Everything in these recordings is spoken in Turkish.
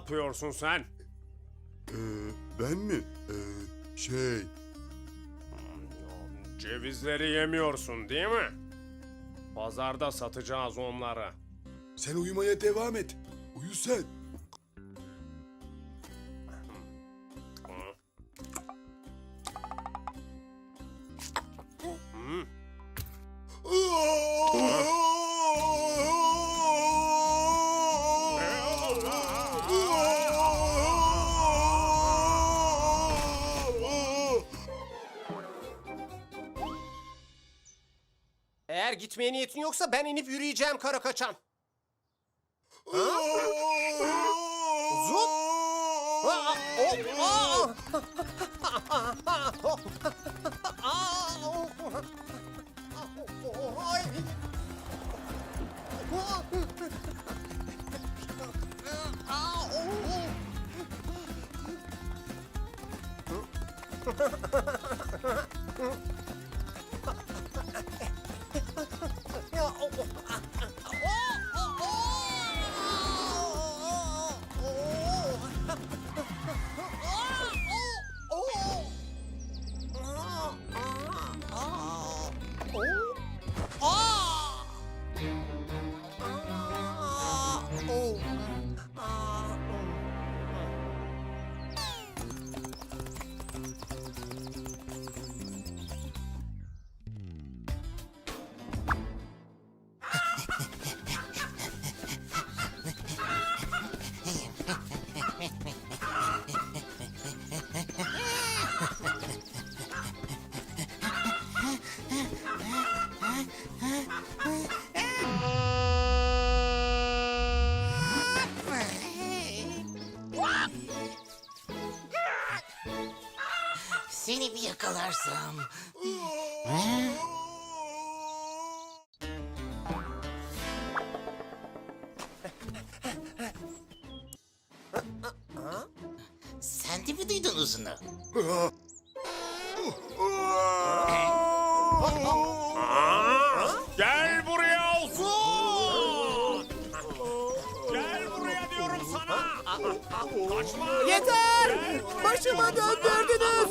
yapıyorsun sen? Ben mi? Cevizleri yemiyorsun değil mi? Pazarda satacağız onları. Sen uyumaya devam et. Uyu sen. Eğer gitmeye niyetin yoksa ben inip yürüyeceğim kara kaçan. Uzun. Seni bir yakalarsam. Sen de mi duydun uzunu? Gel buraya Uzun! Gel buraya diyorum sana! Kaçma! Yeter! Gel buraya Başıma diyorum döndürdünüz.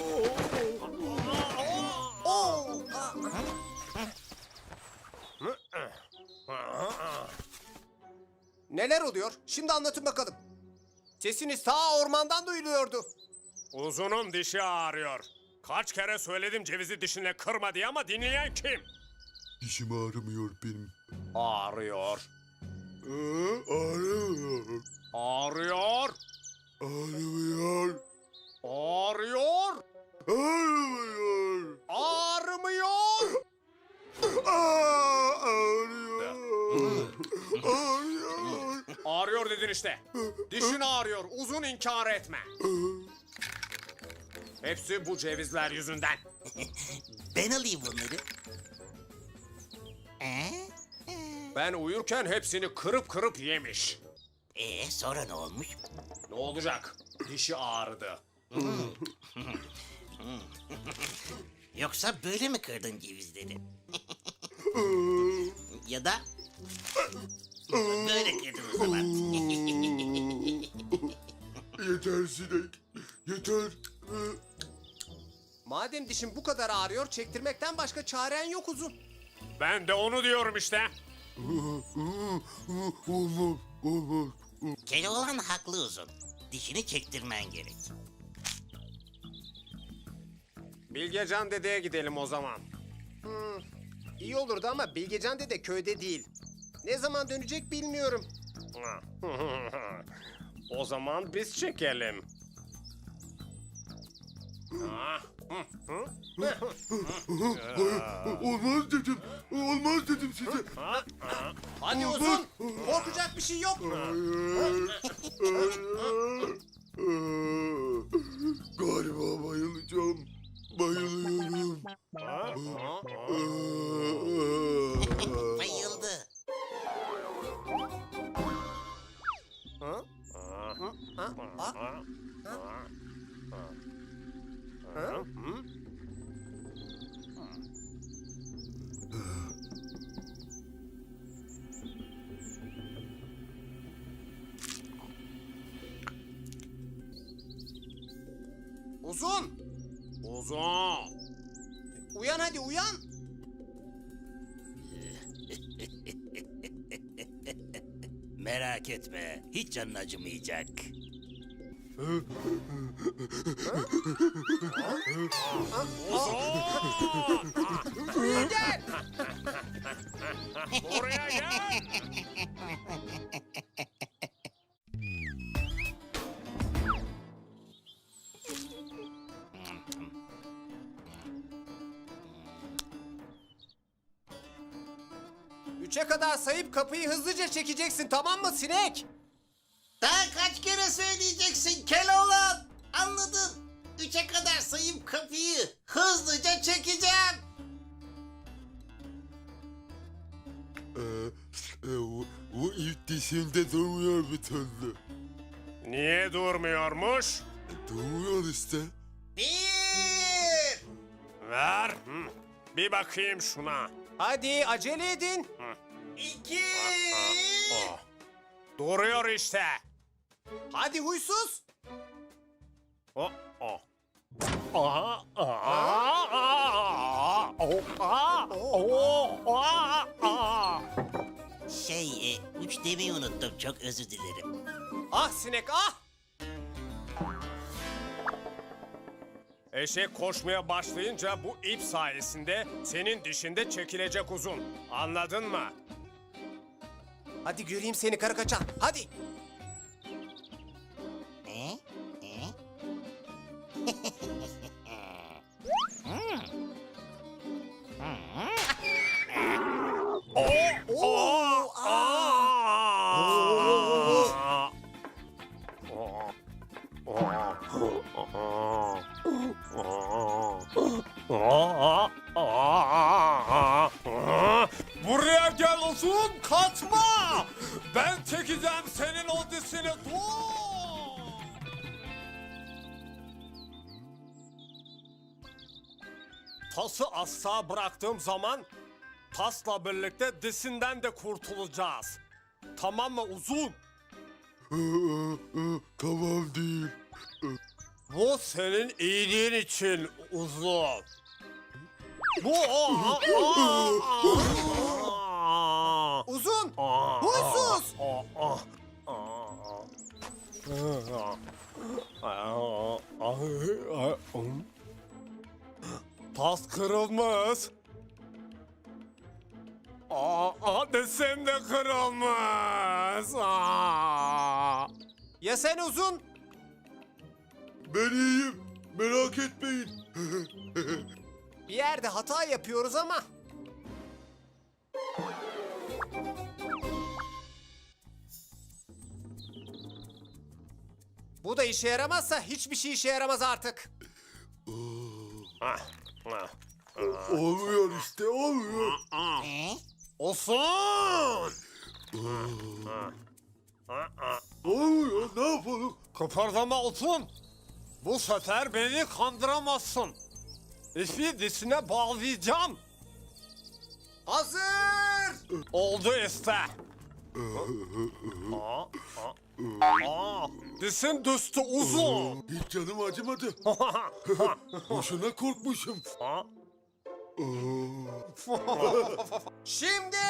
Neler oluyor? Şimdi anlatın bakalım. Sesiniz ta ormandan duyuluyordu. Uzun'un dişi ağrıyor. Kaç kere söyledim cevizi dişine kırma diye ama dinleyen kim? Dişim ağrımıyor benim. Ağrıyor. Ağrımıyor. Ağrıyor. Ağrımıyor. Ağrıyor. Ağrımıyor. Ağrımıyor. Ağrıyor. Ağrıyor. Ağrıyor dedin işte. Dişin ağrıyor. Uzun inkar etme. Hepsi bu cevizler yüzünden. Ben alayım bunları. Ben uyurken hepsini kırıp kırıp yemiş. Sonra ne olmuş? Ne olacak? Dişi ağrıdı. Yoksa böyle mi kırdın cevizleri? Ya da böyle kırdın o zaman. Yeter sinek. Yeter. Madem dişin bu kadar ağrıyor, çektirmekten başka çaren yok Uzun. Ben de onu diyorum işte. Olmaz. Olmaz. Keloğlan haklı uzun. Dişini çektirmen gerek. Bilgecan dedeye gidelim o zaman. İyi olurdu ama Bilgecan dede köyde değil. Ne zaman dönecek bilmiyorum. O zaman biz çekelim. Olmaz dedim. Olmaz dedim size. Hadi Uzun, korkacak bir şey yok. Galiba bayılacağım. Bayılıyorum. Bayıldı. Uzun. Uzun. Uyan hadi uyan. Merak etme. Hiç canın acımayacak. Buraya gel. Buraya gel. Üçe kadar sayıp kapıyı hızlıca çekeceksin, tamam mı sinek? Daha kaç kere söyleyeceksin Keloğlan? Anladın. 3'e kadar sayıp kapıyı hızlıca çekeceğim. Bu ilk dişinde durmuyor bir türlü. Niye durmuyormuş? Durmuyor işte. 1. Ver. Hı. Bir bakayım şuna. Hadi acele edin. 2. Oh. Duruyor işte. Hadi huysuz. Oh, oh. Aha, aha, aha, oh, aha, oh, aha, aha. 3 demeyi unuttum. Çok özür dilerim. Ah sinek ah. Eşek koşmaya başlayınca bu ip sayesinde senin dişinde çekilecek uzun. Anladın mı? Hadi göreyim seni karı kaçan. Hadi. E? E? Oh, ah. Buraya gel uzun, kaçma! Ben çekeceğim senin o dişini, dur! Tası asla bıraktığım zaman tasla birlikte dişinden de kurtulacağız. Tamam mı uzun? Tamam değil. Bu senin iyiliğin için uzun. Bu Uzun. Huysuz. Tas kırılmış. Desem de kırılmış. Ya sen uzun? Ben iyiyim. Merak etmeyin. Bir yerde hata yapıyoruz ama. Bu da işe yaramazsa hiçbir şey işe yaramaz artık. Olmuyor işte olmuyor. E? Olsun. Olmuyor ne yapalım? Kıpırdama olsun. Bu sefer beni kandıramazsın. İpi dişine bağlayacağım. Hazır. Oldu işte. Dişin düştü uzun. Hiç canım acımadı. Boşuna korkmuşum. Şimdi.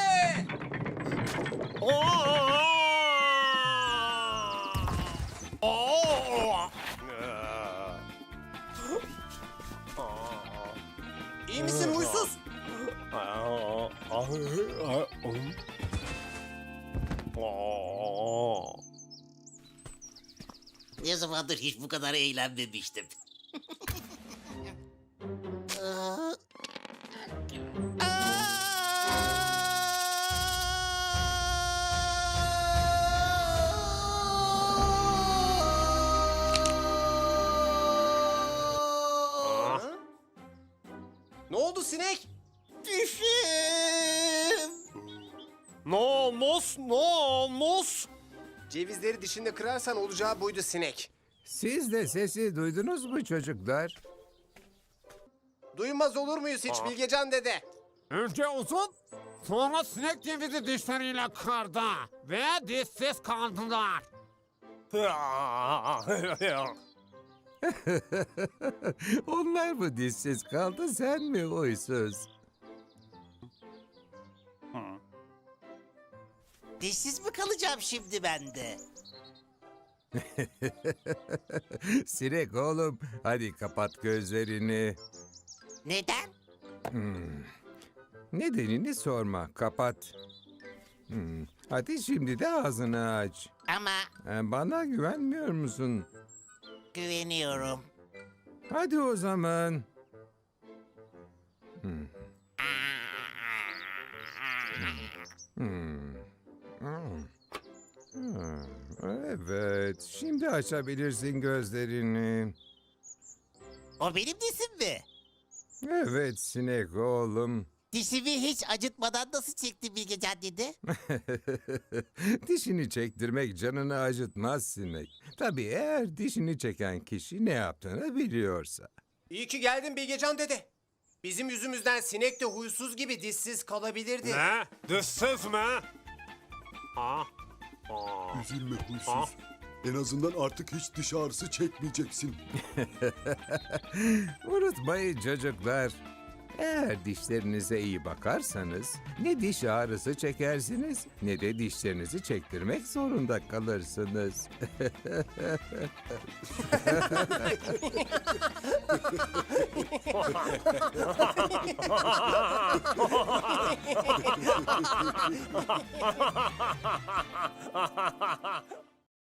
İyi misin huysuz? Ne zamandır hiç bu kadar eğlenmemiştim. Ne oldu sinek? Düşüm. Namus. Cevizleri dişinde kırarsan olacağı buydu sinek. Siz de sesi duydunuz mu çocuklar? Duymaz olur muyuz hiç Bilgecan dede? Önce uzun, sonra sinek cevizi dişleriyle kırdı ve dişsiz kaldılar. Onlar mı dişsiz kaldı, sen mi huysuz? Dişsiz mi kalacağım şimdi ben de? Sinek oğlum, hadi kapat gözlerini. Neden? Nedenini sorma, kapat. Hadi şimdi de ağzını aç. Ama Bana güvenmiyor musun? güveniyorum. Hadi o zaman. Evet, şimdi açabilirsin gözlerini. O benim dişim mi? Evet sinek oğlum. Dişimi hiç acıtmadan nasıl çekti Bilgecan dede? Dişini çektirmek canını acıtmaz sinek. Tabii eğer dişini çeken kişi ne yaptığını biliyorsa. İyi ki geldin Bilgecan dede. Bizim yüzümüzden sinek de huysuz gibi dişsiz kalabilirdi. Ne? Dişsiz mi? Ah. Üzülme huysuz. En azından artık hiç diş ağrısı çekmeyeceksin. Unutmayın çocuklar. Eğer dişlerinize iyi bakarsanız ne diş ağrısı çekersiniz ne de dişlerinizi çektirmek zorunda kalırsınız.